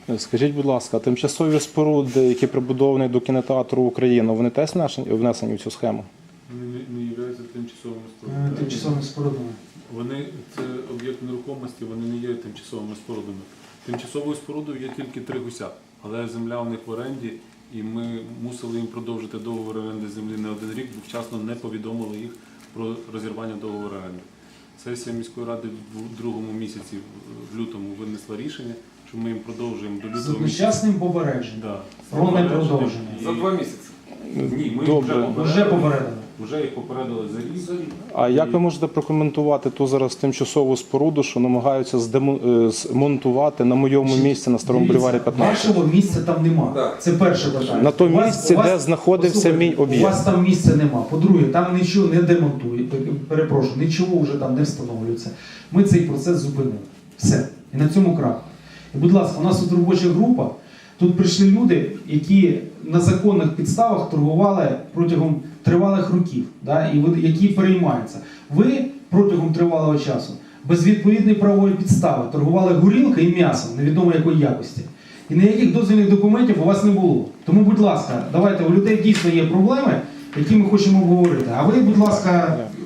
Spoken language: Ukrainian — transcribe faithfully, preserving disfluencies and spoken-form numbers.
Скажіть, будь ласка, тимчасові споруди, які прибудовані до кінотеатру Україна, вони теж внесені в цю схему? Вони не, не являються тимчасовими спорудами. Тимчасовими спорудами. Вони, це об'єкт нерухомості, вони не є тимчасовими спорудами. Тимчасовою спорудою є тільки три гуся, але земля у них в оренді, і ми мусили їм продовжити договор оренди землі не один рік, бо вчасно не повідомили їх про розірвання договору оренди. Сесія міської ради в другому місяці, в лютому, винесла рішення, що ми їм продовжуємо до лютого З місяця. одночасним попередженням. Да. Про непродовження. І- За два місяці. Ні, ми Добре. вже Вже попередили. попередили. Вже їх попередили за рік. А як ви можете прокоментувати ту зараз тимчасову споруду, що намагаються здему- е, змонтувати на моєму місці на Старому Дивіться, бульварі п'ятнадцять? Вашого місця там нема. Так. Це перше питання. На тому У вас- місці, у вас- де знаходився послухайте, мій об'єкт. У вас там місця нема. По-друге, там нічого не демонтують. Перепрошую, нічого вже там не встановлюється. Ми цей процес зупинили. Все. І на цьому крах. І, будь ласка, у нас тут робоча група. Тут прийшли люди, які на законних підставах торгували протягом тривалих років, да, і ви- які переймаються. Ви протягом тривалого часу без відповідної правової підстави торгували горілкою і м'ясом невідомо якої якості. І ніяких дозвільних документів у вас не було. Тому, будь ласка, давайте, у людей дійсно є проблеми, які ми хочемо обговорити. А ви, будь ласка,